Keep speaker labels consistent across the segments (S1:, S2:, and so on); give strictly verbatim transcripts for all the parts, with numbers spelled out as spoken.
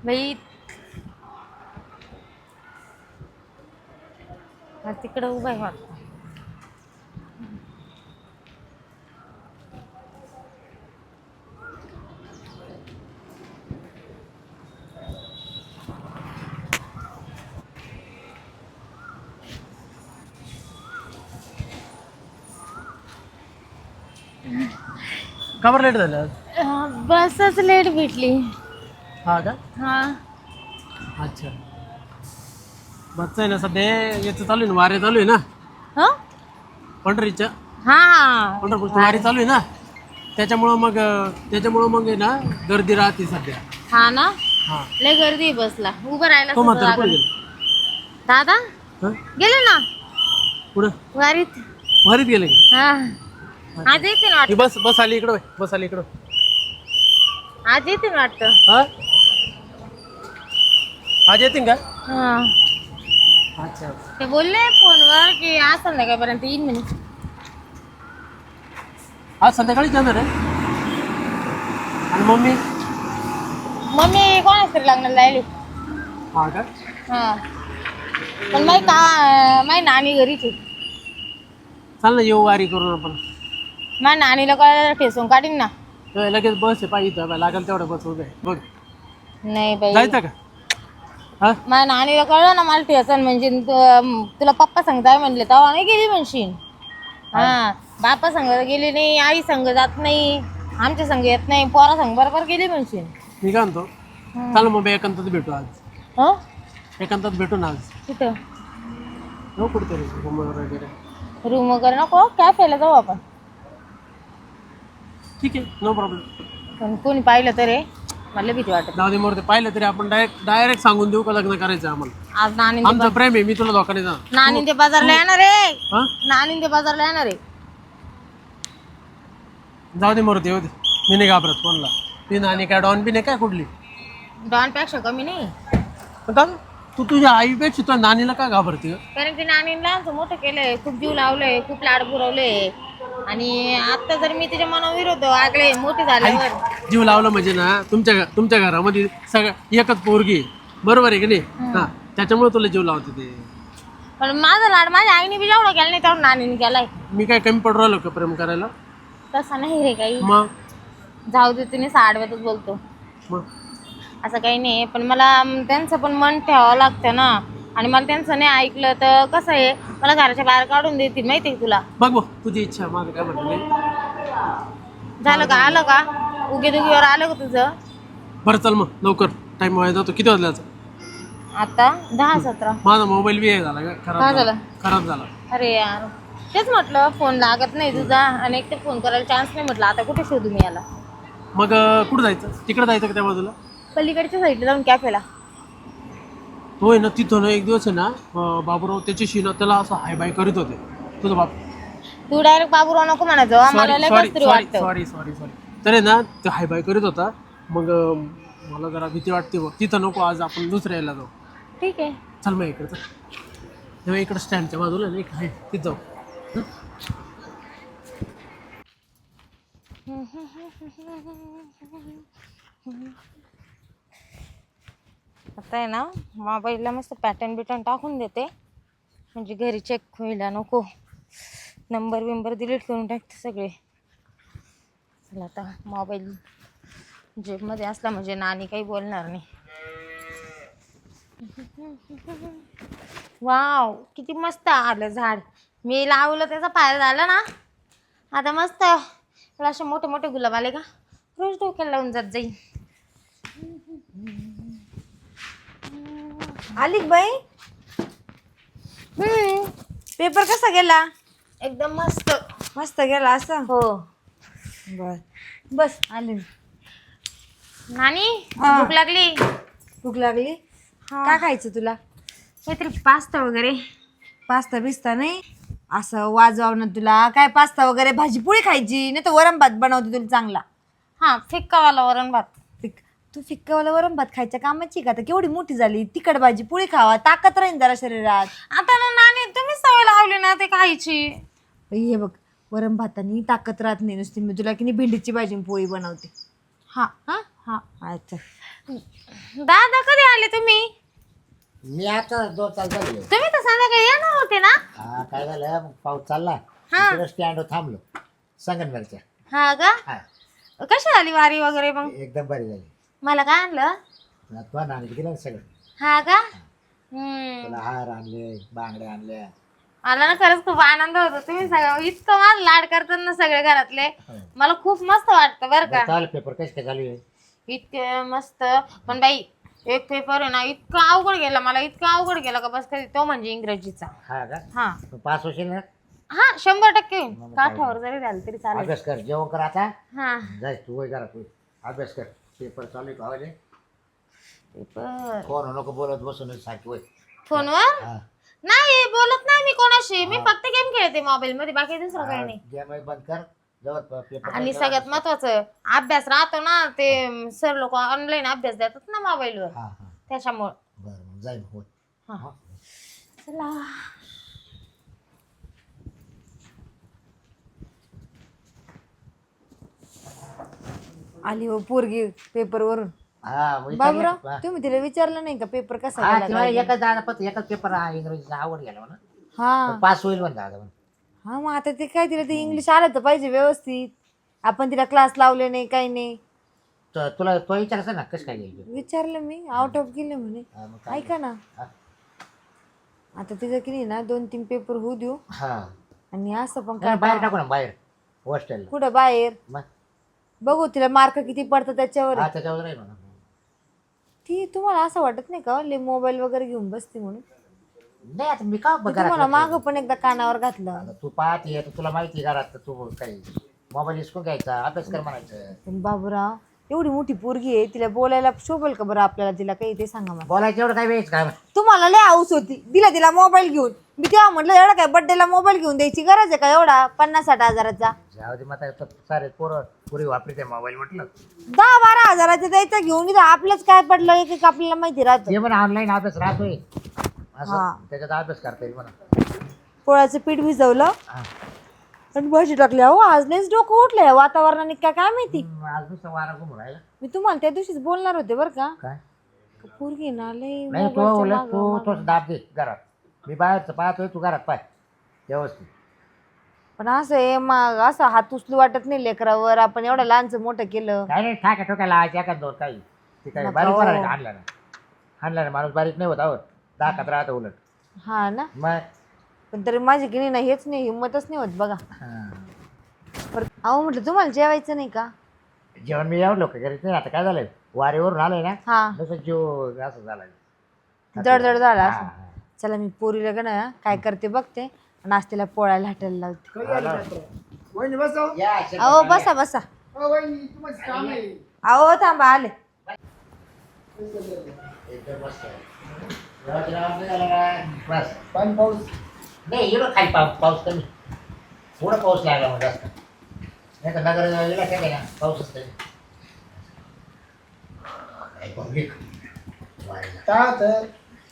S1: बाई तिकडं उभा आहे वाटतं.
S2: का बरं लेट झालं?
S1: अं, बसच लेट भेटली.
S2: हा का?
S1: हा
S2: अच्छा. बसचं आहे ना सध्या याचं चालू आहे ना, वारे चालू आहे ना
S1: हा
S2: पंढरीच्या
S1: हा
S2: पंढरपूरची वारी चालू आहे ना, त्याच्यामुळं मग त्याच्यामुळं मग आहे ना गर्दी राहते सध्या.
S1: हा ना
S2: हा.
S1: लय गर्दी आहे बसला. उभं राहायला
S2: तो
S1: सुद्धा
S2: म्हातारा
S1: जागा
S2: कुठे
S1: नाही.
S2: गेला?
S1: दादा
S2: हा?
S1: गेले ना
S2: कुठं?
S1: वारीत.
S2: वारीत गेले का?
S1: हा आज येते ना
S2: ही
S1: वाटतं.
S2: बस बस आली इकडं, बस आली इकडं.
S1: आज येते ना वाटतं.
S2: हा, आज येतील का?
S1: हा
S2: अच्छा.
S1: ते बोलले फोनवर की आज संध्याकाळपर्यंत येईन म्हणे.
S2: आज संध्याकाळी जाणार आहे. आणि मम्मी?
S1: मम्मी कोणाच तरी लग्नाला जायली.
S2: हा का?
S1: हा पण माही का माही नानी घरीच आहे.
S2: चाल ना, येऊ वारी करून आपण.
S1: माझ्या नानीला कळायला ठेसून काढीन ना.
S2: ए, लगेच बस आहे पाहिजे लागेल तेवढं बस उभे आहे. बघ
S1: नाही बाई
S2: जायचं का? हा,
S1: माझ्या नानीला कळलं ना मला ठेसन म्हणजे तु- तुला पप्पा सांगताय म्हणले तेव्हा नाही गेली म्हणशील. हा बापा संग गेली नाही, आई संग जात नाही, आमच्या संग येत नाही, पोरा संग बरोबर गेली म्हणशील.
S2: मी काय म्हणतो, चाल मग एकांतात भेटू आज.
S1: हो
S2: एकांतात भेटू ना आज.
S1: कुठं
S2: हो कुठेतरी रूम वगैरे.
S1: रूम वगैरे नको कॅफेला जाऊ आपण.
S2: ठीक आहे, नो प्रॉब्लेम.
S1: पण कोणी पाहिलं तर रे मला भीती वाटत.
S2: जाऊ दे मोरते, पाहिलं तरी आपण डायरेक्ट डायरेक्ट सांगून देऊ का लग्न करायचं आम्हाला.
S1: आज नानी
S2: आमचं प्रेम आहे, मी तुला धोका नाही देणार.
S1: नानी ते बाजारला येणार रे.
S2: हा,
S1: नानी ते बाजारला येणार रे.
S2: जाऊ दे मोरते, येऊ दे. मी नाही घाबरत कोणला. ती नानी काय डॉन बी नाही काय कुठली.
S1: डॉन पेक्षा कमी नाही.
S2: पण का तू तुझ्या आईपेक्षा तुझ्या नानीला का घाबरते ग?
S1: कारण की नानीला आमचं मोठं केलंय, खूप जीव लावलंय, खूप लाड पुरवले. आणि आता जर मी तिच्या मनाविरोध आगळे मोठी झाल्यावर.
S2: आई, जीव लावलं म्हणजे ना, तुमच्या घ- तुमच्या घरामध्ये सगळं एकच पोरगी आहे. बरोबर आहे की नाही? हा, त्याच्यामुळे तुला जीव लावते ते.
S1: पण माझा लाड माझ्या आईने बी जेवढा केला नाही तेवढा नानीने केलाय.
S2: मी काय कमी पडू राहिलो का प्रेम करायला?
S1: तसा नाही रे काही.
S2: मग
S1: जाऊ दे तुम्ही साडव्यातच बोलतो.
S2: मग
S1: असं काही नाही, पण मला अं, त्यांचं पण मन ठेवावं लागतं ना. आणि मला त्यांचं नाही ऐकलं तर कसं आहे, मला घराच्या बाहेर काढून देतील माहिती आहे तुला.
S2: बघ बघ तुझी इच्छा, माझं काय म्हणतो मी.
S1: झालं का आलं का उगे दुगीवर आलं का तुझं?
S2: बरं चल मग लवकर, टाइम व्हायला जातो. किती वाजल्याचं?
S1: आता दहा सतरा.
S2: माझा मोबाईल बी हे झाला का,
S1: काय
S2: खराब
S1: झालं?
S2: झाला खराब झाला.
S1: अरे यार तेच म्हटलं फोन लागत नाही तुझा आणि एक तर फोन करायला चान्स नाही. म्हटलं आता कुठे शोधू मी याला.
S2: मग अं, कुठं जायचं? तिकडं जायचं का त्या बाजूला?
S1: पलीकडच्या साईडला जाऊन कॅफेला.
S2: तो आहे ना तिथं ना एक दिवस आहे ना, अं, बाबूराव त्याच्याशी ना त्याला असं हाय बाय करीत होते तुझा बाप.
S1: तू डायरेक्ट बाबूराव नको म्हणायचं, आम्हाला लय
S2: सॉरी
S1: कसं तरी
S2: सॉरी
S1: वाटतं.
S2: सॉरी सॉरी सॉरी तर आहे ना ते हाय बाय करीत होता. मग अं, मला जरा भीती वाटते बघ. तिथं नको, आज आपण दुसऱ्या यायला जाऊ.
S1: ठीक आहे.
S2: चल मग इकडं चल. तेव्हा इकडं स्टँडच्या बाजूला ना एक आहे, तिथं जाऊ. हं?
S1: आता आहे ना मोबाईलला मस्त पॅटर्न बिटर्न टाकून देते म्हणजे घरी चेक व्हायला नको. नंबर बिंबर डिलीट करून टाकते सगळे. चला आता मोबाईल जेबमध्ये असला म्हणजे नानी काही बोलणार नाही. वाव किती मस्त आलं झाड. मी लावलं त्याचा फायदा झाला ना. आता मस्त मला असे मोठे मोठे गुलाब आले का रोज डोक्याला लावून जात जाईल.
S3: आली बाई.
S1: हम्म
S3: पेपर कसा गेला?
S1: एकदम मस्त.
S3: मस्त गेला असं?
S1: हो.
S3: बर बस आली.
S1: नानी
S3: हा.
S1: भूक लागली.
S3: भूक लागली?
S1: हा.
S3: काय खायचं तुला?
S1: काहीतरी पास्ता वगैरे.
S3: पास्ता बिस्ता नाही असं वाजवाव ना तुला. काय पास्ता वगैरे भाजी पोळी खायची नाही तर वरण भात बनवते तुला चांगला.
S1: हा फिक्कावाला वरण भात.
S3: फिक तू फिक्कावाला वरण भात खायच्या कामाची का? आता केवढी मोठी झाली. तिखट भाजी पोळी खावा, ताकद राहील जरा शरीरात.
S1: आता ना नानी तुम्ही सवय लावली ना ते खायची.
S3: बाई, हे बघ वरण भातानी ताकद राहत नाही नुसती. मी तुला की नाही भेंडीची भाजी आणि पोळी बनवते.
S1: हा
S3: हा
S1: हा
S3: अच्छा.
S1: दादा कधी आले तुम्ही?
S4: मी आता दोन तास झाले.
S1: तुम्ही तर संध्याकाळी येणार होते ना?
S4: हा काय झालं मग पाऊस चालला
S1: हा.
S4: तिकडे स्टँडवर थांबलो संगमनेरच्या.
S1: हा का?
S4: हा
S1: कशी झाली वारी वगैरे मग?
S4: एकदम बरी झाली.
S1: मला काय आणलं?
S4: तुला नाणी दिलं ना सगळं.
S1: हा का? हम्म.
S4: तुला हार आणले बांगड्या आणल्या.
S1: मला ना खरंच खूप आनंद होतो. तुम्ही सगळं इतकं मला लाड करतात ना सगळे घरातले. मला खूप मस्त वाटतं बरं का.
S4: चालेल पेपर कसे काय चालू आहे?
S1: इतके मस्त. पण बाई एक पेपर आहे ना इतका अवघड गेला मला, इतका अवघड गेला का बस कधी. तो म्हणजे इंग्रजीचा.
S4: हा का?
S1: हा
S4: तू पास होशील ना?
S1: हा शंभर टक्के काठावर जरी झालं तरी चालेल.
S4: अभ्यास कर जेवण कर आता.
S1: हा
S4: जाय तू वय करा तू अभ्यास कर. पेपर चालू आहे का?
S1: पेपर
S4: कोण नको बोलत बसून सारखी वय.
S1: फोनवर
S4: हा
S1: नाही बोलत नाही मी कोणाशी. मी फक्त गेम खेळते मोबाईल मध्ये, बाकी दुसरं काही नाही.
S4: गेम बंद कर जवळ पेपर.
S1: आणि सगळ्यात महत्वाचं अभ्यास राहतो ना, ते सर लोक ऑनलाईन अभ्यास देतात ना मोबाईलवर,
S4: हा हा
S1: त्याच्यामुळं.
S4: बरं मग जाईल होय.
S1: हा चला.
S3: आली हो पोरगी पेपर वरून.
S4: हा मग
S3: बाबूराव
S4: विचारलं.
S3: तुम्ही तिला विचारलं नाही का पेपर कसा
S4: हा
S3: गेला
S4: तेव्हा
S3: काय?
S4: एकच दादा फक्त एकच पेपर हा इंग्रजीचा आवड गेला म्हणा.
S3: हा
S4: पास होईल म्हणा दादा म्हणा.
S3: हा मग आता ते काय तिला ते इंग्लिश आलं तर पाहिजे व्यवस्थित. आपण तिला क्लास लावले नाही काही नाही.
S4: तर तुला तो विचारायचा ना कसं काय घ्यायचं.
S3: विचारलं मी आउट ऑफ गेले म्हणे.
S4: हा, मग काय?
S3: ऐका ना
S4: हा.
S3: आता तिचं की नाही ना दोन तीन पेपर होऊ देऊ.
S4: हा
S3: आणि असं पण
S4: नाही,
S3: काय
S4: बाहेर टाकू ना बाहेर हॉस्टेलला.
S3: कुठं बाहेर
S4: मग
S3: बघू तिला मार्क किती पडतात त्याच्यावर
S4: हा
S3: आहे.
S4: त्याच्यावर नाही म्हणा.
S3: ती तुम्हाला असं वाटत नाही का ले मोबाईल वगैरे घेऊन बसते म्हणून?
S4: नाही आता मी का
S3: मी
S4: बघा
S3: तुम्हाला माग पण एकदा कानावर घातलं.
S4: तू पाहते तर तुला माहिती आहे घरात तर तू काही मोबाईल हिसकून घ्यायचा अभ्यास कर म्हणायचं.
S3: पण बाबूराव एवढी मोठी पोरगी आहे, तिला बोलायला शोभेल का बरं आपल्याला? तिला काही ते सांगा मला.
S4: बोलायचं एवढं काय वेळच काय.
S3: तुम्हाला लय हाऊस होती, दिला तिला मोबाईल घेऊन. मी तेव्हा म्हटलं एवढा काय बर्थडेला मोबाईल घेऊन द्यायची गरज आहे का एवढा पन्नास साठ हजाराचा?
S4: जाऊ दे मग आता सारे पोरं पुरी वापरते मोबाईल म्हटलं.
S3: दहा बारा हजाराचा द्यायचा घेऊन. इथं आपलंच काय पडलं एक एक आपल्याला माहिती राहतं.
S4: ते म्हणा ऑनलाईन अभ्यास राहतोय
S3: हा.
S4: असं त्याच्यात अभ्यास करता येईल म्हणा.
S3: पोळ्याचं पीठ भिजवलं
S4: हा.
S3: आणि भाजी टाकली. अहो आज लयच डोकं उठलंय वातावरणाने काय काय माहिती.
S4: हम्म, आज नुसतं वारा घुमून राहिला.
S3: मी तुम्हाला त्या दिवशीच बोलणार होते बरं का.
S4: काय
S3: पोरगी ना लय
S4: नाही तो
S3: मोबाईलच्या
S4: उलट
S3: मागं-
S4: तू
S3: मागं.
S4: तोच दाब दे घरात. मी बाहेरचं पाहतोय तू घरात पाय व्यवस्थित.
S3: पण असं आहे मग असं हात उचलू वाटत नाही लेकरावर. आपण एवढं लहानचं मोठं केलं.
S4: काय नाही ठाक्या ठोक्या लावायच्या एखाद दोन काही ते काय
S3: नका
S4: बारीक
S3: हो.
S4: करायचं आणला ना आणला ना माणूस बारीक नाही होत आहोत दाखत राहतं उलट.
S3: हा ना.
S4: मग
S3: पण तरी माझी की नाही ना हेच नाही हिंमतच नाही होत बघा.
S4: हा.
S3: परत अहो म्हटलं तुम्हाला जेवायचं नाही का?
S4: जेवण मी एवढं लोक करीत नाही. आता काय झालंय वारीवरून आलंय ना
S3: हा
S4: तसं जीव असं झालाय
S3: जडजड झाला
S4: हा,
S3: असं.
S4: हा.
S3: चला मी पोरीला का ना काय करते बघते आणि आज तिला पोळ्याला हटायला लावते.
S5: वहिनी बसव.
S4: या, शेतात
S3: अहो
S4: आले.
S3: बसा बसा.
S5: अ, वहिनी तुम्हाला काम आहे.
S3: अहो थांबा आले.
S4: एकदम मस्त आहे. जेवायचं जेवण नाही झालं ना? बस
S5: पाणी पाऊस.
S4: नाही एवढं खाली पाऊस पाऊस कमी थोडं पाऊस लागला मग जास्त नाही तर नगर गेला काय ना पाऊसच नाही. पब्लिक
S5: काय होतं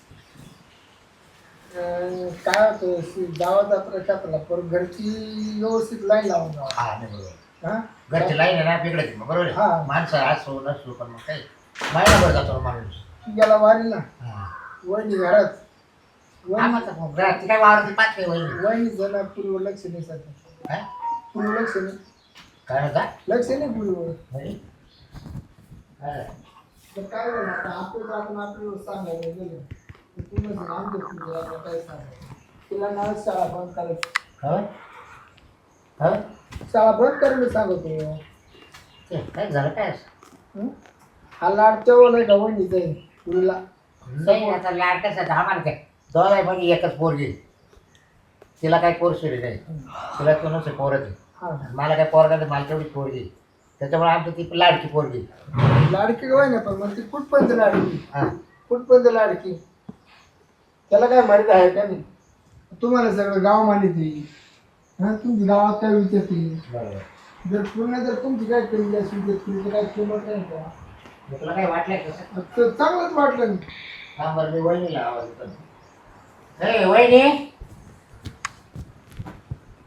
S5: अं, काय होतं गावाचा प्रशासनाला पण घरची व्यवस्थित लाईन लावून जावं.
S4: हा नाही बरोबर
S5: हा?
S4: घरची लाईन आहे ना बिघडायची मग बरोबर
S5: हा.
S4: आहे. माणसं असो नसो पण मग काही महिनाभर जातो ना माणूस.
S5: गेला वारीला
S4: हा.
S5: वहिनी घरात.
S4: हा,
S5: वहिनी
S4: मग मग घरात ती काय वावरती पाच काही वहिनी
S5: वहिनी जण पूर्व लक्ष नाही सध्या.
S4: काय
S5: पूर्व लक्ष नाही.
S4: काय होता
S5: लक्ष नाही पूर्व.
S4: म्हणजे काय?
S5: तर काय झालं आता आपलं आपण आपल्याला सांगायला गेलं तर पूर्ण आमच्या पुढे आपण काय सांगायचं. तिला ना शाळा बंद करायची.
S4: हं? हं?
S5: शाळा बंद करायला सांगतो.
S4: ते काय झालं काय
S5: हं? हा लाड तेव्हा नाही का वहिनीचा आहे तुला.
S4: नाही आता लाड कसं आहे, आम्हाला काय दोन आहे म्हणजे एकच पोरगी. तिला काही पोर सुरी नाही तिला तो नसे पोरच आहे.
S5: हा
S4: मला काय पोरगा नाही मला तेवढी पोरगी त्याच्यामुळे आमची ती लाडकी पोरगी.
S5: लाडकी काय ना पण मग ती कुठपर्यंत लाडकी
S4: हां
S5: कुठपर्यंत लाडकी त्याला काय माहित आहे का नाही. तुम्हाला सगळं गाव माहिती हा तुमची गावात काय विचारते.
S4: बरोबर.
S5: जर पूर्ण जर तुमची काय केली असेल तर तुमचं काय किंमत नाही का.
S4: मग तुला काही वाटलंय कसं
S5: तर चांगलंच वाटलं नाही.
S4: हा बरं मी वहिनीला आवाज येतो. हे वहिनी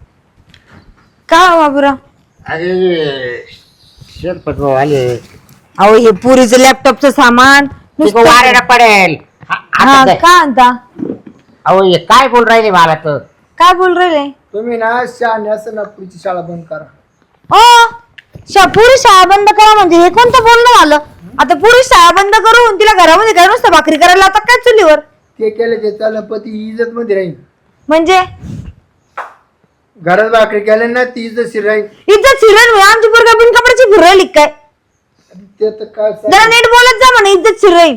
S3: का बाबूराव?
S4: अरे शेतपट भाऊ आले
S3: अहो हे पुरीचं लॅपटॉपचं सामान नुसतं-
S4: वाऱ्याला पडेल हा,
S3: हा
S4: आता दे.
S3: का आणता
S4: अहो हे काय बोल राहिले मला तर
S3: काय बोल राहिले
S5: तुम्ही ना शहाणे असं ना पुढची शाळा बंद करा.
S3: ओ शा पुरी शाळा बंद करा म्हणजे हे कोणतं बोलणं झालं? आता पुरी शाळा बंद करून तिला घरामध्ये काय नुसतं भाकरी करायला लावतात काय चुलीवर?
S5: ते केलं ते चाललं पती इज्जत मध्ये राहील.
S3: म्हणजे
S5: घरात भाकरी केल्या ना ती इज्जत राहील.
S3: इज्जत शिरण आमची पोरगा बिन कपड्याची फिरायली काय?
S5: ते तर काय
S3: जरा नीट बोलत जा म्हणे इज्जत शिराई.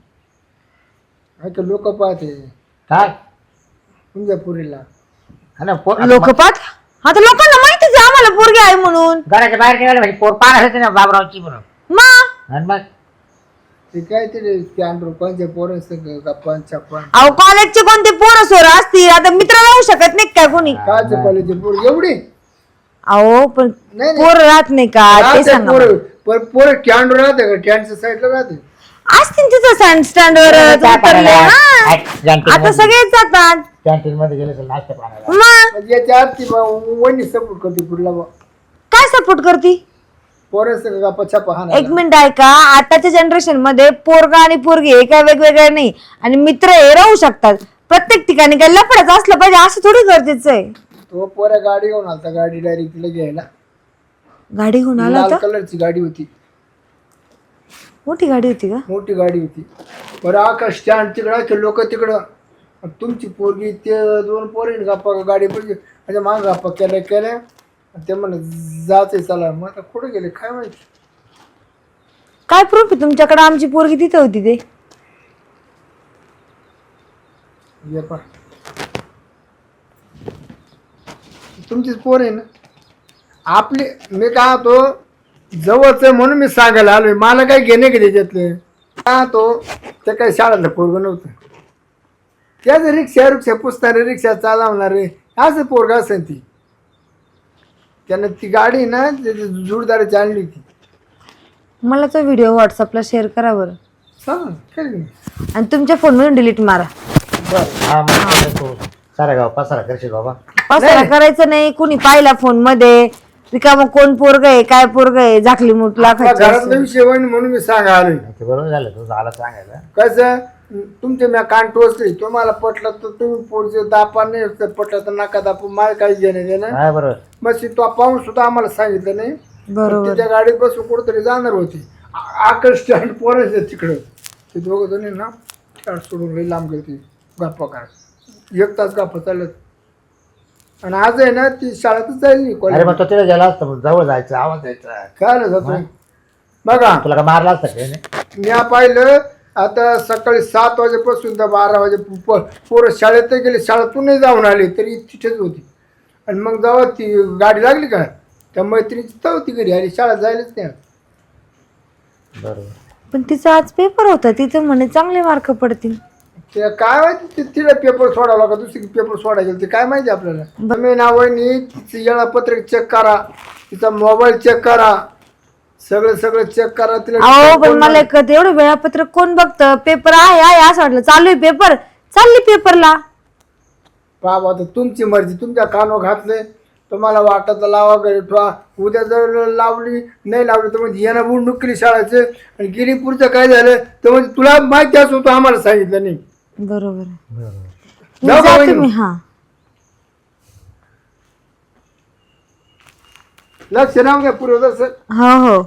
S5: लोक पाहते
S4: काय
S5: तुमच्या पुरीला.
S4: हा ना, पोर-
S3: लोकपात आता लोकांना माहितीच आहे आम्हाला पोरगी आहे म्हणून.
S4: घराच्या बाहेर निघाले म्हणजे पोर पाहणार होते ना बाबरावची म्हणून.
S3: मग
S4: आणि मग
S5: ते काय ते कॅन्ड्रो कोणत्या पोरं गप्पा छप्पन
S3: अहो कॉलेजचे कोणते पोरं सोर असतील आता मित्र राहू शकत नाही काय कोणी?
S5: काय कॉलेजचे पोर एवढी
S3: अहो पण
S5: नाही, नाही.
S3: पोर राहत नाही का ते
S5: राहते
S3: सांगा
S5: पोरं पण पोरं कॅन्ड्रो राहते का कॅन्डच्या साईडला राहते.
S3: असतील तिथं सँड स्टँडवर
S4: चहा पाण्याला,
S3: आता
S4: कॅन्टीनमध्ये-
S3: सगळेच जातात
S4: कॅन्टीन मध्ये गेले तर नाश्ता पाण्याला.
S3: मग
S5: म्हणजे याच्या आरती वहिनी सपोर्ट करते पुरीला बा.
S3: काय सपोर्ट करती?
S5: पोरं सगळं गप्पा छप्पा हा
S3: एक मिनिट ऐका आताच्या जनरेशन मध्ये पोरगा आणि पोरगी हे काय वेगवेगळे नाही आणि मित्र हे राहू शकतात प्रत्येक ठिकाणी काय लफडच असलं पाहिजे असं थोडी गरजेचं आहे.
S5: तो पोऱ्या गाडी घेऊन आलता गाडी डायरेक्ट तिला घ्यायला.
S3: गाडी घेऊन आला
S5: लाल
S3: होता
S5: कलरची गाडी होती
S3: मोठी गाडी होती का?
S5: मोठी गाडी होती. बरं आका स्टँड तिकडं लोक तिकडं आणि तुमची पोरगी ते दोन पोरी गप्पा गाडी पडली म्हणजे माग गप्पा केल्या केल्या आणि ते म्हणे जाते चला मग आता कुठे गेले काय माहिती.
S3: काय प्रूफ आहे तुमच्याकडे आमची पोरगी तिथे होती ते?
S5: ये पा तुमचीच पोर आहे ना आपली. मी काय तो जवळच आहे म्हणून मी सांगायला आलोय मला काय घेणे की त्याच्यातले का तो ते काही शाळेतलं पोरगं नव्हतं. त्याच रिक्षा रिक्षा पुसणारे रिक्षा चालवणारे असं पोरगा असेल ती. त्यानं ती गाडी ना त्याची जोडदाराची आणली होती.
S3: मला तो व्हिडिओ व्हॉट्सअपला शेअर करा बरं
S5: चालेल काय नाही.
S3: आणि तुमच्या फोनवरून डिलीट मारा.
S4: हा मग तू सारा गाव पसारा करशील बाबा.
S3: पसारा करायचं नाही कुणी पाहिला फोन मध्ये रिकामं कोण पोरग आहे काय पोरग आहे झाकली मुठला
S5: आपल्या घरातला विषय होईन म्हणून मी सांगा आलोय.
S4: ते बरोबर झालं तू झालं सांगायला.
S5: कसं तुमचे मी कान टोचले तुम्हाला पटलं तर तुम्ही पुढचे दापा नाही पटलं तर नका दापू मला काही घेणे देणं.
S4: हा बरोबर.
S5: मग तो पाहून सुद्धा आम्हाला सांगितलं नाही.
S3: बरोबर
S5: तिच्या गाडीत बसून कुठेतरी जाणार होती आकर्ष स्टँड पोरायचं तिकडं ते दोघं जणी ना स्टँड सोडून लई लांब गेली गप्पा काय एक तास गप्पा चालत आणि आज आहे ना ती शाळेतच जाईल नाही
S4: अरे
S5: कॉलेज.
S4: मग तो तिला गेला असता मग जवळ जायचं आवाज द्यायचा.
S5: काय आलं जातो बघा
S4: तुला का मारला असता काय नाही?
S5: मी पाहिलं आता सकाळी सात वाजेपासून तर बारा वाजे पोरं शाळेत गेले शाळेतूनही जाऊन आले तरी तिथेच होती. आणि मग जेव्हा ती गाडी लागली का त्या मैत्रिणीची तेव्हा ती घरी आली शाळेत जायलाच नाही.
S4: बरोबर.
S3: पण तिचा आज पेपर होता तिचं म्हणे चांगले मार्क पडतील.
S5: ते काय माहिती ते तिला पेपर सोडावं का दुसरी पेपर सोडायला गेलं ते काय माहिती आपल्याला. मी नावानी तिचं येळापत्रक चेक करा तिचा मोबाईल चेक करा सगळं सगळं चेक करा तिला.
S3: अहो पण मला एक कळतं, एवढं वेळापत्रक कोण बघतं? पेपर आहे आहे असं वाटलं चालू आहे पेपर चालली पेपरला.
S5: बाबा तर तुमची मर्जी तुमच्या कानावर घातले तुम्हाला वाटत लावा घरी ठेवा. उद्या जर लावली नाही लावली तर म्हणजे येणं बुंडूक केली शाळेचे आणि गिरीपूरचं काय झालं तर म्हणजे तुला माहिती असं होतं आम्हाला सांगितलं नाही.
S3: बरोबर
S4: बरोबर.
S5: जाऊ का
S3: जाते
S5: वहिनी?
S3: मी. हा
S5: लक्ष राहू द्या पुरवठा सर.
S3: हो हो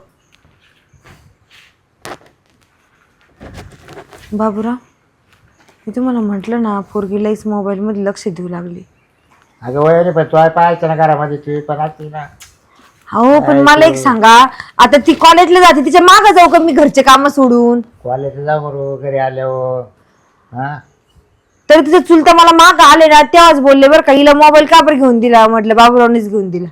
S3: बाबूराव मी तुम्हाला म्हटलं ना पोरगी लईच मोबाईल मध्ये लक्ष देऊ लागली.
S4: अगं वयाने पण तू पाहायचं ना घरामध्ये ती पण असती ना.
S3: हो पण मला एक सांगा आता ती कॉलेजला जाते तिच्या मागं जाऊ का मी घरचे काम सोडून?
S4: कॉलेजला जाऊ बरोबर घरी आल्यावर. हा
S3: तर तिचं चुलता मला माग आले ना तेव्हाच बोलले बरं का हिला मोबाईल का बरं घेऊन दिला? म्हटलं बाबूरावनेच घेऊन दिला.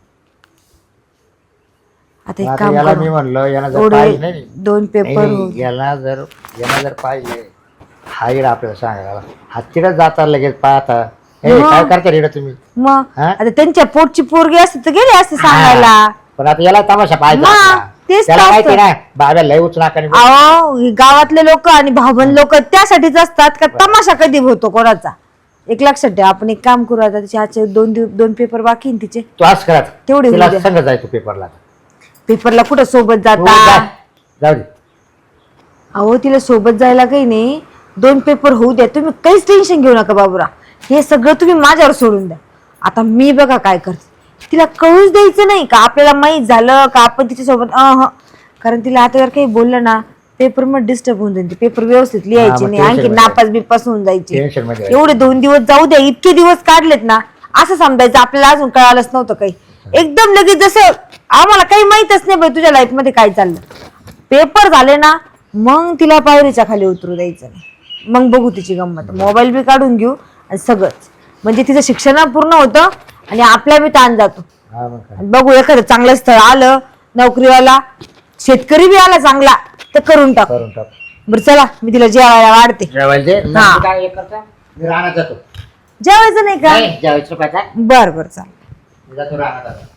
S3: आता एक
S4: आता
S3: काम
S4: याला मी
S3: करू
S4: म्हणलं याला जर
S3: एवढे
S4: पाहिजे नाही
S3: दोन पेपर हो.
S4: नाही, याला जर याला जर पाहिजे हा इकडं आपल्याला सांगायला हा तिकडे जाता लगेच पाहता हे काय करता रे तुम्ही.
S3: मग
S4: हा?
S3: आता त्यांच्या पोटची पोरगी असते तर गेले असते सांगायला.
S4: पण आता याला तमाशा पाहिजे
S3: मग,
S4: आपला.
S3: तेच
S4: त्याला
S3: तर
S4: माहिती
S3: असतं.
S4: ना बाब्या लय उचनाकाने
S3: अहो ही गावातले लोक आणि भावबंद लोक त्यासाठीच असतात का तमाशा कधी होतो कोणाचा. एक लक्षात ठेवा आपण एक काम करू आता तिचे आजचे दोन दिव- दोन पेपर बाकी आहे ना तिचे
S4: तू आज करत
S3: तेवढे
S4: तिला
S3: होऊ द्या.
S4: संग जायचं पेपरला.
S3: पेपरला कुठं सोबत
S4: तू जा.
S3: जाता
S4: जाऊ दे.
S3: अहो तिला सोबत जायला काही नाही, दोन पेपर होऊ द्या, तुम्ही काहीच टेन्शन घेऊ नका बाबूराव. हे सगळं तुम्ही माझ्यावर सोडून द्या. आता मी बघा काय करते, तिला कळूच द्यायचं नाही का आपल्याला माहीत झालं का आपण तिच्यासोबत अह कारण तिला आता जर काही बोललं ना पेपर मध्ये डिस्टर्ब होऊन जाईल, पेपर व्यवस्थित लिहायचे
S4: मग
S3: नाही,
S4: tension
S3: आणखी
S4: मध्ये
S3: नापास बिपास होऊन जायचे.
S4: टेन्शन मध्ये
S3: एवढे दोन दिवस जाऊ द्या, इतके दिवस काढलेत ना असं समजायचं आपल्याला अजून कळालंच नव्हतं काही. एकदम लगेच जसं आम्हाला काही माहितच नाही बाई तुझ्या लाईफ मध्ये काय चाललं. पेपर झाले ना मग तिला पायरीच्या खाली उतरू द्यायचं नाही, मग बघू तिची गंमत. मोबाईल बी काढून घेऊ आणि सगळंच, म्हणजे तिचं शिक्षण पूर्ण होतं आणि आपला बी ताण जातो.
S4: हा मग काय.
S3: आणि बघू एखादं चांगलं स्थळ आलं, नोकरीवाला शेतकरी बी आला चांगला तर करून टाक.
S4: करून टाक.
S3: बरं चला मी तिला जेवायला वाढते.
S4: जेवायला दे. मग
S3: हा.
S4: मी काय हे करतो, मी राहणार जातो.
S3: जेवायचं नाही का?
S4: नाही जेवायचं पाहिजे.
S3: बर बर चाल.
S4: मी जातो राहणार आता.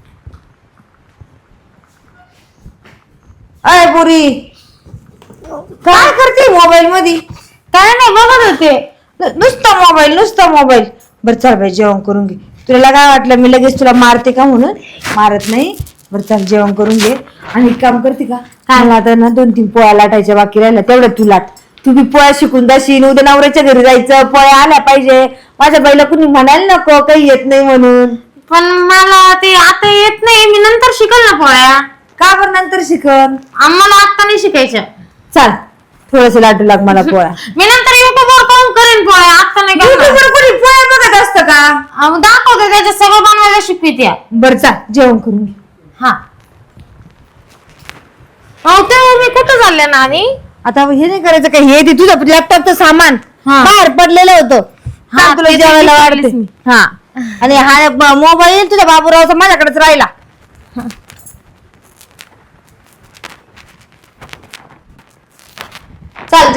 S3: अय पुरी काय करते मोबाईल मध्ये? काय नाही बघत होते, नु- नुसतं मोबाईल नुसतं मोबाईल. बरं चल बाई जेवण करून घे. तुला काय वाटलं मी लगेच तुला मारते का म्हणून? मारत नाही. बरं चल जेवण करून घे. आणि एक काम करते का, मला आता ना दोन तीन पोळ्या लाटायच्या बाकी राहिल्या, तेवढं तू लाट. तू बी पोळ्या शिकून जाशील, उद्या नवऱ्याच्या घरी जायचं, पोळ्या आल्या पाहिजे. माझ्या बाईला कुणी म्हणायला नको काही येत नाही म्हणून.
S1: पण मला ते आता येत नाही, मी नंतर शिकल ना पोळ्या.
S3: का बरं नंतर शिकन?
S1: आम्हाला आता नाही शिकायच्या.
S3: चाल थोडस लाटू लाग मला पोळ्या.
S1: मी नंतर युट्यूबवर पाहून करेन पोळ्या, आता नाही करणार.
S3: YouTubeवर कोणी पोळ्या बघत असतं का?
S1: अहो, दाखवते त्याच्यात सगळं बनवायला शिकवित्या.
S3: बरं चाल जेवण करून घे.
S1: हा. अहो तेव्हा मी कुठं चालले ना आणि
S3: आता हे नाही करायचं का, हे ते तुझं लॅपटॉपचं सामान
S1: हा.
S3: बाहेर पडलेलं होतं.
S1: हा,
S3: हा तुला
S1: ते
S3: जेवायला
S1: तर
S3: वाढते.
S1: विसरलीच मी.
S3: हा आणि हा ब- मोबाईल तुझ्या बाबूरावचा माझ्याकडेच राहिला. चाल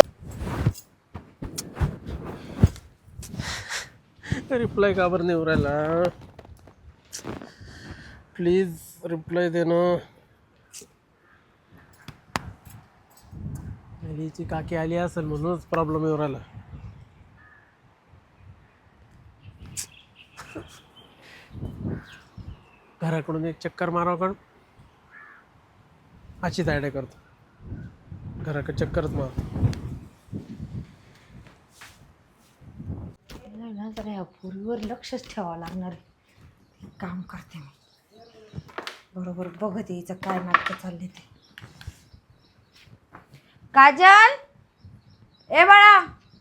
S2: रिप्लाय का बरं नाही उरायला? प्लीज रिप्लाय दे ना. हिची काकी आली असेल म्हणूनच प्रॉब्लेम येऊ राहिला. घराकडून एक चक्कर मारावं काढ, अशीच आयडिया करतो. घराकडे चक्करच मार.
S3: ना जरा या पोरीवर लक्षच ठेवावं लागणार आहे. एक काम करते मी, बरोबर बघत यायचं काय नाटकं चालले ते. काजल ए बाळा,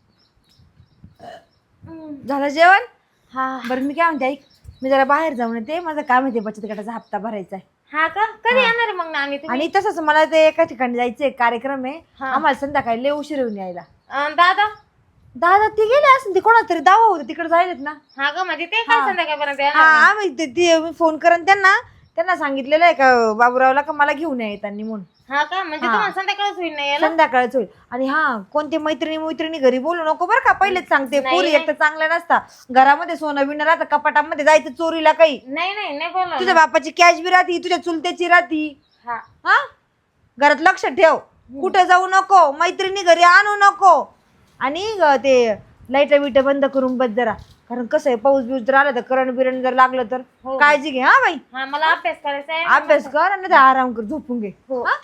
S3: झालं जेवण?
S1: हा.
S3: बरं मी काय म्हणते ऐक, मी जरा बाहेर जाऊन येते, माझं काम आहे ते बचत गटाचा हप्ता भरायचा आहे.
S1: हा का? कधी येणार आहे मग नानी तुम्ही?
S3: आणि तसंच मला ते एका ठिकाणी जायचंय, कार्यक्रम आहे
S1: हा.
S3: आम्हाला संध्याकाळी लय उशीर येऊन यायला.
S1: अं, दादा.
S3: दादा ती गेले असं, ते कोणाला तरी दावा होतं तिकडे जायलेत ना.
S1: हा का? म्हणजे ते काय
S3: हा.
S1: संध्याकाळपर्यंत
S3: हा
S1: येणार नाही?
S3: आम्ही ते- ते मी फोन करेन त्यांना, त्यांना सांगितलेलं आहे का बाबूरावला का मला घेऊन या येताना म्हणून.
S1: हा का? म्हणजे
S3: हा.
S1: तुम्हाला संध्याकाळच होईल नाही यायला?
S3: संध्याकाळच होईल. आणि हा कोणते मैत्रिणी मैत्रिणी घरी बोलू नको बरं का, पहिलेच सांगते.
S1: नाही,
S3: पोरी
S1: नाही.
S3: एक तर चांगल्या नसता, घरामध्ये सोनं बिनं राहतं, कपाटामध्ये जायचं चोरीला काही.
S1: नाही नाही नाही बोलणार.
S3: तुझ्या बापाची कॅश बी राहती, तुझ्या चुलत्याची राहती.
S1: हा.
S3: हा घरात लक्ष ठेव, कुठे जाऊ नको, मैत्रिणी घरी आणू नको. आणि ग ते लाईट बिट बंद करून बस जरा, कारण कसं आहे पाऊस बिऊस जर आला तर करंट बिरंट जर लागलं तर
S1: हो.
S3: काळजी घे. हा बाई
S1: हा मला अभ्यास करायचा आहे.
S3: अभ्यास कर आणि ते आराम कर, झोपून घे.
S1: हो.
S3: हा?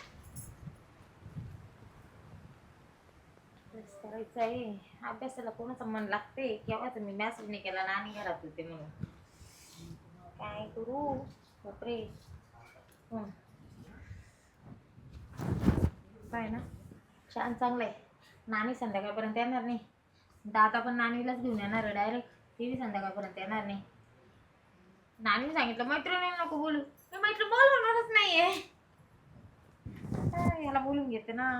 S1: अभ्यास करायचा आहे. अभ्यासाला कोणाचं मन लागते केव्हाच मी मॅसेज नाही केला नानी घरात होते म्हणून. काय करू बापरे. हं. काय ना छान चांगलं आहे. नानी संध्याकाळपर्यंत येणार नाही, दादा पण नानीलाच घेऊन येणार आहे डायरेक्ट. ती बी संध्याकाळपर्यंत येणार नाही. नानीने सांगितलं मैत्रिणी नको बोलू, मी मैत्रीण बोलवणारच नाहीये. हा, याला बोलून घेते ना.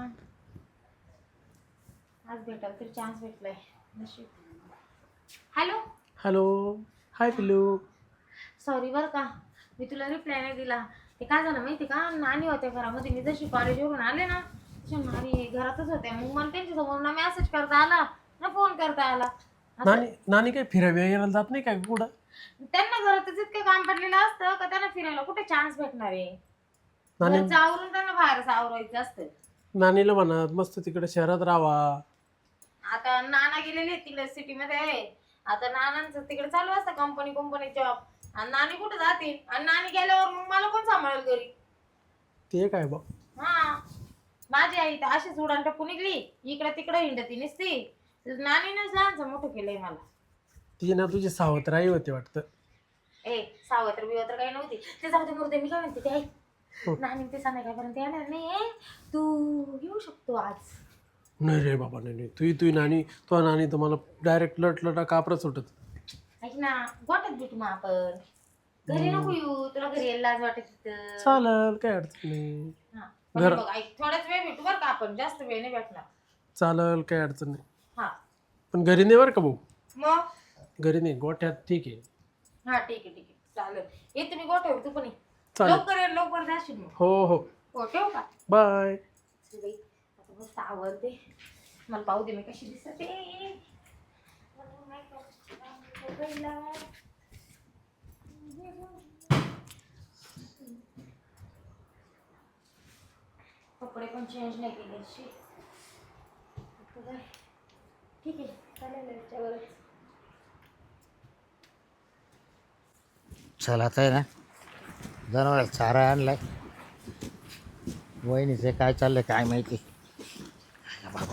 S1: आज भेटाल तरी चान्स भेटलाय नशीब. हॅलो
S2: हॅलो, हाय पिल्लू.
S1: सॉरी बरं का, मी तुला रिप्लाय नाही दिला. ते काय झालं माहिती का, नानी होत्या घरामध्ये. मी जशी कॉलेजवरून आले ना तशा नानी घरातच होत्या. मग मला त्यांच्यासमोर ना मेसेज करता आला ना फोन करता आला. असं
S2: नानी नानी काय फिरायला यायला जात नाही काय कुठं?
S1: त्यांना घरातच इतकं काम पडलेलं असतं का त्यांना फिरायला कुठे चान्स भेटणार आहे.
S2: नानी
S1: घरचं आवरून त्यांना बाहेरच आवरायचं असतं.
S2: नानीला म्हणत मस्त तिकडे शहरात राहावा.
S1: आता नाना गेलेले आहेत तिकडे सिटीमध्ये. आता नानांचं तिकडे चालू असतं कंपनी कंपनी जॉब. आणि नानी कुठे जातील, आणि नानी गेल्यावर मग मला कोण सांभाळेल घरी?
S2: ते काय बा.
S1: हा माझी आई तर अशीच उडान टपून निघली, इकडे तिकडे हिंडती नसती. नानीनंच लहानचं मोठं केलंय मला.
S2: ती ना तुझी सावत्राई होती वाटतं.
S1: ए सावत्र बिवत्र काही नव्हती. ते जाऊ दे मुर्दे, मी काय म्हणते ते आई, नानी ते संध्याकाळपर्यंत येणार नाही, तू येऊ शकतो आज.
S2: नाही रे बाबा, नाही नाही तुही तुही नानी तो नानी तर मला डायरेक्ट लट लटा कापरा सुटत.
S1: ऐक ना, गोट्यात भेटू मग आपण. घरी नको येऊ, तुला घरी यायला लाज वाटत तिथं.
S2: चालेल, काय अडचण नाही.
S1: हा, पण हे बघ ऐक, थोडाच वेळ भेटू बरं का आपण, जास्त वेळ नाही भेटणार.
S2: चालेल, काय अडचण नाही.
S1: हा
S2: पण घरी नाही बरं का भाऊ,
S1: मग
S2: घरी नाही, गोठ्यात ठीक आहे.
S1: हा ठीक आहे ठीक आहे चालेल. येते मी गोठ्यावर, तू पण ये.
S2: चालेल.
S1: लवकर ये, लवकर जाशील मग.
S2: हो हो,
S1: हो ठेवू का?
S2: बाय.
S1: चल बाई, आता मस्त आवडते मला, पाहू दे मी कशी दिसते. कपडे पण चेंज नाही केले. ठीक आहे चालेल, याच्यावरच.
S4: चला आता आहे ना, जनावर चारा आणलाय. वहिनीचं काय चाललंय काय माहिती. बाबा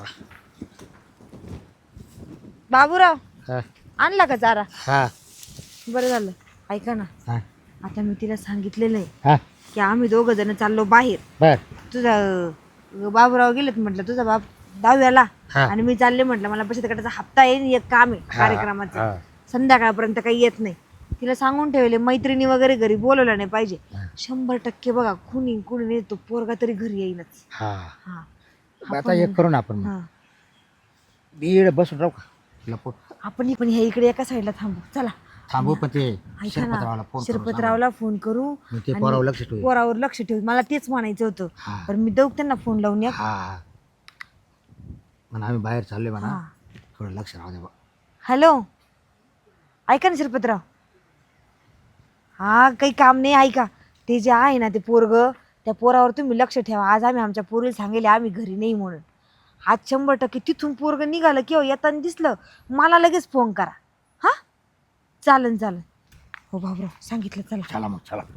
S3: बाबूराव
S4: हा
S3: आणला का चारा?
S4: हा
S3: बरं झालं. ऐका ना,
S4: हा
S3: आता मी तिला सांगितलेलं आहे
S4: हा
S3: की आम्ही दोघं जण चाललो बाहेर.
S4: बर
S3: तुझा अं, बाबूराव गेलेत म्हटलं, तुझा बाप दहाव्याला
S4: हा.
S3: आणि मी चालले म्हटलं, मला बचत गटाचा हप्ता येईल, एक काम आहे
S4: हा,
S3: कार्यक्रमाचं,
S4: हा.
S3: संध्याकाळपर्यंत काही येत नाही. तिला सांगून ठेवले, मैत्रिणी वगैरे घरी बोलवलं नाही पाहिजे. शंभर टक्के बघा, कुणी कुणी नाही, तो पोरगा तरी घरी येईनच.
S4: हा
S3: हा
S4: आता एक करू ना आपण,
S3: हा
S4: बीड बसून राहू का लपून.
S3: आपण पण ह्या इकडे एका साईडला थांबू. चला
S4: थांबू पण ते
S3: ऐका
S4: शिरपतरावाला
S3: ना,
S4: फोन करू
S3: शिरपतरावला फोन करू
S4: मग ते
S3: आणि
S4: पोरावर लक्ष ठेवू.
S3: पोरावर लक्ष ठेवू. मला तेच म्हणायचं होतं,
S4: हा.
S3: पण मी देऊ त्यांना फोन लावून या.
S4: हा म्हणा आम्ही बाहेर चाललोय म्हणा,
S3: हा.
S4: थोडं लक्ष राहू दे बा.
S3: हॅलो, ऐका ना शिरपतराव, हा काही काम नाही. ऐका, ते जे आहे ना ते पोरग, त्या पोरावर तुम्ही लक्ष ठेवा. आज आम्ही आमच्या पोरीला सांगितले आम्ही घरी नाही म्हणून. आज शंभर टक्के तिथून पोरग निघालं किंवा येताना दिसलं, मला लगेच फोन करा. हा चालन चालन. हो बाबराव सांगितलं. चला
S4: चला मग चला.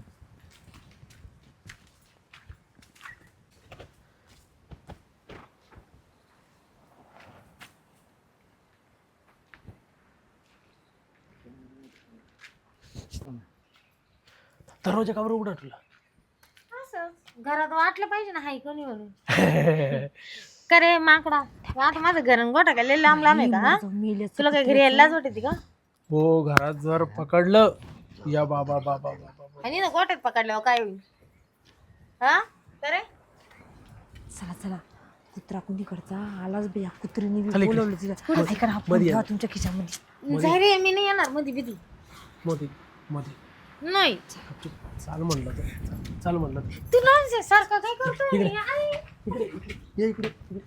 S2: दरवाजा कावर उघडा तुला?
S1: असं घरात वाटलं पाहिजे ना, हाय कोणी म्हणून. करे माकडा, आता माझं घर गोठा काय लय लांब लांब आहे का? हा? तुला काय घरी यायलाच वाटते का?
S2: हो, घरात जर पकडलं या बाबा बाबा बाबा.
S1: आणि ना गोठ्यात पकडल्यावर काय होईल? हा करे
S3: चला चला. कुत्रा कुणीकडचा आलाच बी, या कुत्रीने बी
S2: खाली
S3: बोलवलं तिला. ऐका ना, फोन ठेवा तुमच्या खिशामध्ये.
S1: जाय रे, मी नाही येणार मध्ये बिधी.
S2: मोदी मोदी
S1: नाही
S2: चाल म्हणलं तर, चाल म्हणलं तर.
S1: तुला सारखं काय करतो?
S2: इकडे इकडे इकडे ये इकडे इकडे.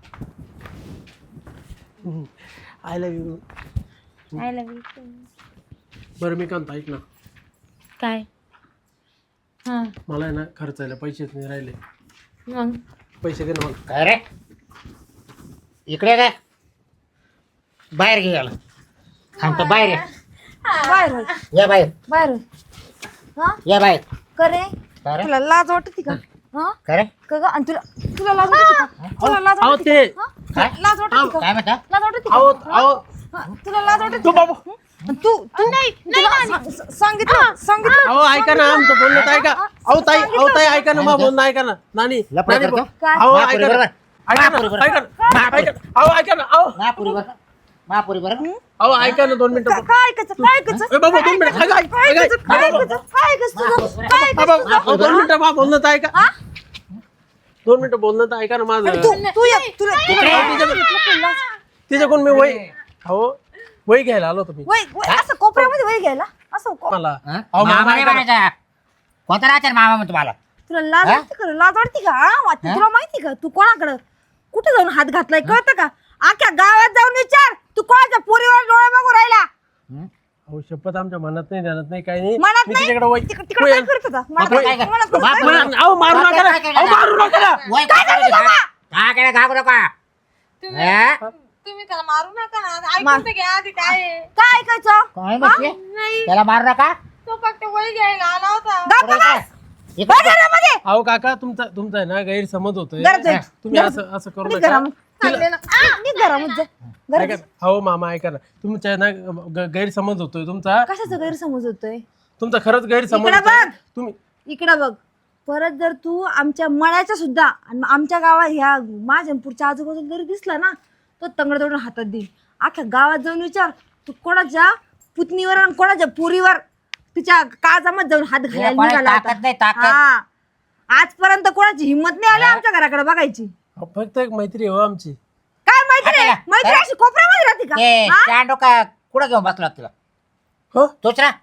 S2: I love you.
S1: I love you.
S2: बरं मी काय म्हणतो, ऐक ना,
S1: काय? हा
S2: मला आहे ना खर्चायला पैसेच नाही राहिले.
S1: मग
S2: पैसे दे ना मला.
S4: काय रे इकडे काय बाहेर घे याला. थांबतो बाहेर या.
S3: बाहेर होय,
S4: या बाहेर
S3: बाहेर होय. हा
S4: या बाहेर.
S3: करे,
S4: काय रे
S3: तुला लाज वाटते का? हा
S4: काय रे
S3: का ग? आणि तुला तुला लाज वाटते का? तुला लाज
S2: अहो
S3: वाटते
S2: ते
S3: का? हा?
S4: काय
S3: लाज वाटते का?
S4: काय म्हणता?
S3: लाज वाटते का?
S2: अहो अहो
S3: हा, तुला लाज वाटते
S2: तू
S3: का?
S2: बाबू.
S3: आणि तू तू नाही सांगितलं सांगितलं.
S2: अहो ऐका ना, आमचं बोलणं तर ऐका. अहो ताई, अहो ताई ऐका ना, मग बोलणं ऐका ना. नानी
S4: लफडा
S2: नानी
S4: करतो?
S2: बोल-
S3: काय?
S2: अहो
S4: महापुरी
S2: ऐका ना,
S4: बरोबर.
S2: ऐका ना,
S4: महापुरी
S2: ऐका ना, ऐका ना. अहो ऐका ना, अहो
S4: महापुरी बरं महापुरी बरं.
S2: अहो ऐका ना, दोन मिनिटं.
S3: काय ऐकायचं काय ऐकायचं
S2: ए बाबा दोन मिनिटं. ऐका, ऐका,
S3: काय
S2: ऐका,
S3: ऐकायचं काय
S2: ऐका.
S3: ऐकायचं काय ऐकायचं तुझं? काय
S2: बाबा,
S3: ऐकायचं
S2: अहो, दोन मिनिटं बा, बोलणं तर ऐका. दोन मिनिटं बोलणं तर ऐका ना माझं.
S3: तू तू ये, तुला
S2: तिच्याकडून मी वय, अहो वय घ्यायला आलो तुम्ही
S3: वय वय असं कोपऱ्यामध्ये वय घ्यायला असं को-
S2: मला.
S4: हा?
S2: अहो
S4: मामा
S2: मामा
S4: नाही
S2: ऐका ना.
S4: म्हणायचा. कोणता राहते रे मामा म्हणतो मला.
S3: तुला लाज वाटते का? लाज वाटते का? हा, वाटते. तुला माहिती का तू कोणाकडं कुठे जाऊन हात घातलाय कळतं का? आख्या गावात जाऊन विचार, तू कोणाच्या पोरीवर डोळे बघू राहिला.
S4: हं?
S2: अहो शपथ आमच्या मनात नाही, ध्यानात नाही, काही नाही.
S3: मनात
S2: मी
S3: नाही?
S2: तिच्याकडे वय
S3: तिक- तिकडे काय करत होता? मनात-
S4: बापरे, काय काय?
S3: मनात काय
S4: बापरे.
S3: करत होता?
S2: अहो मारू नका ना, अहो मारू नका ना.
S4: वय काय करायचं बाबा? काय काय घाबरू नका. हा?
S1: तुम्ही त्याला मारू नका ना, ऐकून तर घ्या आधी काय आहे.
S3: काय ऐकायचं?
S4: काय म्हणते?
S1: नाही
S4: त्याला मारू नका.
S1: तो फक्त वय घ्यायला आला होता.
S3: गप्प
S4: पुढे काय?
S3: बस.
S4: हे
S3: बघ घरामध्ये.
S2: अहो काका तुमचा तुमचा आहे ना गैरसमज होतोय
S3: घरात जाईल.
S2: तुम्ही असं असं करू
S3: निघ
S2: नका
S3: घरामध्ये. चालले ना. आ, निघ घरामध्ये जा. घरात
S2: ऐका ना. हो मामा ऐका ना तुमच्या ना ग- गैरसमज होतोय तुमचा
S3: कशाचा गैरसमज होतोय?
S2: तुमचा खरंच गैरसमज
S3: इकडं
S2: होतोय.
S3: बघ.
S2: तुम्ही
S3: इकडं बघ. परत जर तू आमच्या मळ्याच्या सुद्धा आणि आमच्या गावात ह्या माझ्यापूरच्या आजूबाजूला जरी दिसला ना तो तंगड तोडून हातात देईल. अख्ख्या गावात जाऊन विचार तू कोणाच्या पुतणीवर आणि कोणाच्या पुरीवर तिच्या काळजामध्ये जाऊन हात घालायला
S4: कोणाची
S3: निघाला होता.
S4: ताकद नाही, ताकद.
S3: हा. आजपर्यंत कोणाची हिंमत नाही आली आमच्या घराकडे बघायची.
S2: अहो, फक्त एक मैत्री हो आमची
S3: काय मैत्री आहे?
S4: हाताला-
S3: मैत्री अशी कोपऱ्यामध्ये राहते
S4: ते
S3: का? हा?
S4: स्टँड का कुठं घेऊन बसला तुला
S2: हो
S4: तोच ना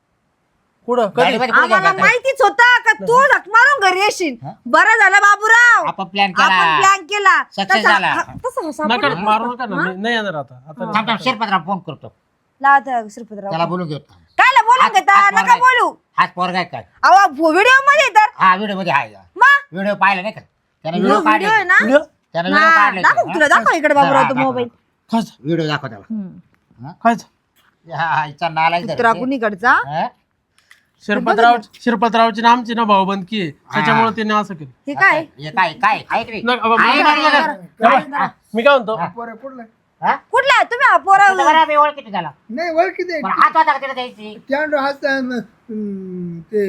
S2: कुठं कधी
S4: गाडीमध्ये कुठं घेऊन
S3: आम्हाला
S4: बसला?
S3: माहितीच होतं का तू झक मारून घरी येशील. बरं झालं बाबूराव
S4: आपण प्लॅन
S3: आपण
S4: केला
S3: प्लॅन केला.
S4: Success
S3: तसा-
S4: झाला.
S3: हा, तसं
S2: नका
S3: सापडलं.
S2: मारू नका ना मी नाही येणार आता आता
S4: थांब थांब शिरपतराव फोन करतो
S3: लावा त्या श्रीपतराव.
S4: त्याला बोलून घेऊ
S3: कायला बोलून
S4: हात-
S3: घेता
S4: हात
S3: नका
S4: मारायचा.
S3: बोलू.
S4: हाच पोरगा आहे काय
S3: अहो व्हिडिओ मध्ये तर
S4: हा व्हिडिओ मध्ये आहे
S3: मग
S4: व्हिडिओ पाहिला नाही का त्याने
S3: व्हिडिओ
S4: व्हिडिओ
S3: व्हिडिओ आहे
S4: काढले
S3: ना
S2: व्हिडिओ
S4: त्याने व्हिडिओ
S3: हा,
S4: काढले
S3: दाखव तुला दाखव इकडे बाबूराव तो मोबाईल.
S2: खायचं
S4: व्हिडिओ दाखव त्याला
S2: खायचं
S4: हा हा, इचा नाला
S3: कुत्रा कुणीकडचा
S2: शिरपतराव शिरपतरावची ना आमची ना भाऊबंदकी आहे त्याच्यामुळे त्याने असं केलं
S3: हे काय
S4: हे काय काय आहे की नाही?
S2: नका, बाबा,
S4: आहे
S2: नका,
S4: ना,
S2: नका,
S4: नका.
S2: नका.
S4: हा,
S2: मी काय म्हणतो
S5: पोरं कुठलं
S4: हा?
S3: कुठला आहे? तुम्ही हा पोरा
S4: तुला बरं मी ओळखीत झाला
S5: नाही ओळखी दे
S4: पण हात होता का तिला द्यायची
S5: स्टँड हात अं, ते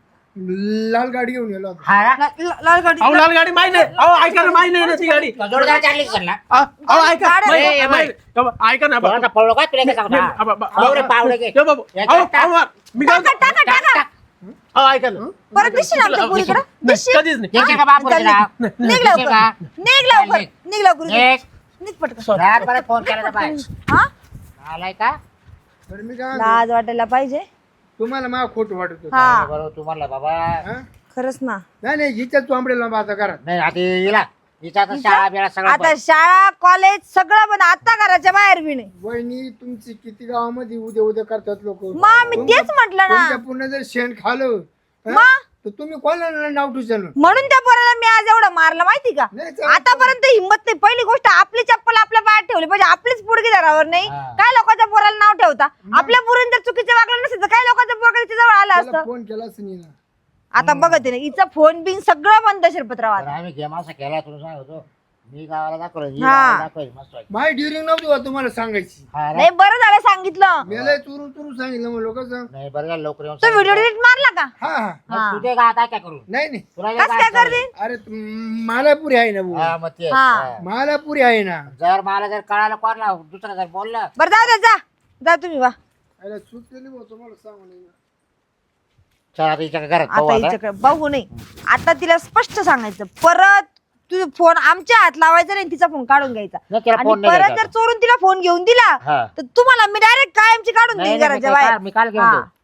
S5: लाल गाडी घेऊन गेलो होतो.
S4: हा ना?
S3: लाल गाडी
S2: अहो लाल गाडी माहिती नाही अहो ऐका ना माहिती नाही ना ती गाडी
S4: तुला जोडीदार चालली का घरला?
S2: अहो अहो, ऐका
S3: गाड्या-
S2: माहिती-
S4: ए, ए,
S2: माहिती- अहो, ऐका ना
S4: पळवला
S2: बाबा.
S4: पळलो का तुला काय सांगतो
S2: नाही,
S4: हा?
S2: अहो, बाबा,
S4: पावडे पावडे घे.
S2: ए, बाबा,
S4: याच्यात
S2: अहो,
S4: टाक.
S2: अहो, मी काय
S3: टाका
S2: म्हणतो?
S3: टाका टाका
S2: अहो ऐका ना
S3: परत दिसशील आमच्या पोरीकडे
S2: नाही,
S3: दिसशील
S2: कधीच नाही
S4: याच्या का बाप बोलते ना?
S3: निघ
S4: याच्या
S3: लवकर
S4: का?
S3: निघ लवकर निघ लवकर
S4: एक.
S3: निघ पटकन
S4: रात परत फोन केला तर बाय
S3: हा
S4: आलाय का
S5: तर मी काय म्हणतो,
S3: लाज वाटायला पाहिजे.
S5: तुम्हाला मला खोटं वाटत होतं.
S3: हा
S4: बरोबर तू म्हणला बाबा
S5: हा?
S3: खरंच ना.
S5: नाही नाही हिच्या चोंबडेला माझा करा
S4: नाही आता हिला हिचा आता शाळा बिळा सगळं
S3: आता शाळा कॉलेज सगळं पण आता घराच्या बाहेर बी नाही.
S5: वहिनी तुमची किती गावामध्ये उद्या उद्या करतात लोक
S3: मग मी तेच म्हटलं ना.
S5: तुमच्या पुन्हा जर शेण खालं हा?
S3: मग?
S5: तर तुम्ही कोणाला नाव ठुशाल
S3: म्हणून त्या पोराला मी आज एवढं मारलं माहिती का.
S5: नाही चालत.
S3: आतापर्यंत हिंमत नाही. पहिली गोष्ट आपली चप्पल आपल्या पायात ठेवली पाहिजे. आपलीच पुडगी धरावर नाही.
S4: हा.
S3: काय लोकांच्या पोराला नाव ठेवता. आपल्या पोरीन जर चुकीचं वागलं नसेल तर काय लोकांच्या पोरगा तिच्या जवळ आला
S5: त्याला
S3: असतं.
S5: फोन केलाच नाही ना
S3: आता बघत आहे ना हिचा फोन बिन सगळं बंद शिरपतराव
S4: तर
S3: आता.
S4: आम्ही गेम असा केला तुला सांगतो मी गावाला दाखवलं ही
S3: हा.
S4: गावाला दाखवायची मस्त वाटली.
S5: माय ड्युरिंग नव्हती बा तुम्हाला सांगायची
S4: हा रे?
S3: नाही बरं झालं सांगितलं.
S5: मेलाय चुरू चुरू सांगितलं मग लोक
S4: नाही बरं झालं लवकर येऊन
S3: तो
S4: सांगितलं.
S3: व्हिडिओ डिलीट मारला का.
S5: हा हा
S4: मग तुझे का आता काय करू
S5: नाही नाही
S4: तुला
S3: कस काय करते.
S5: अरे तुम- मला पुरी आहे ना भाऊ
S4: हा मग ते
S3: हा.
S4: हा.
S5: मला पुरी आहे ना
S4: जर मला जर कळालं कोणला दुसरा जर बोललं
S3: बरं जाऊ दे जा जा तुम्ही वा.
S5: अरे चूक केली भाऊ तुम्हाला सांगू नाही ना.
S4: चल आता हिच्या घरात पाहू
S3: आता
S4: आता.
S3: हिच्याकडे बघू नाही. आता तिला स्पष्ट सांगायचं परत तुझा फोन आमच्या हात लावायचा नाही तिचा फोन काढून घ्यायचा.
S4: नाही, तिला
S3: आणि
S4: फोन नाही
S3: परत
S4: द्यायचा
S3: जर चोरून तिला फोन घेऊन दिला
S4: हा.
S3: तर तुम्हाला मी डायरेक्ट कायमची काढून
S4: नाही,
S3: देईन
S4: नाही,
S3: घराच्या
S4: मी काय-
S3: बाहेर.
S4: मी काल घेऊन
S3: हा.
S4: देऊ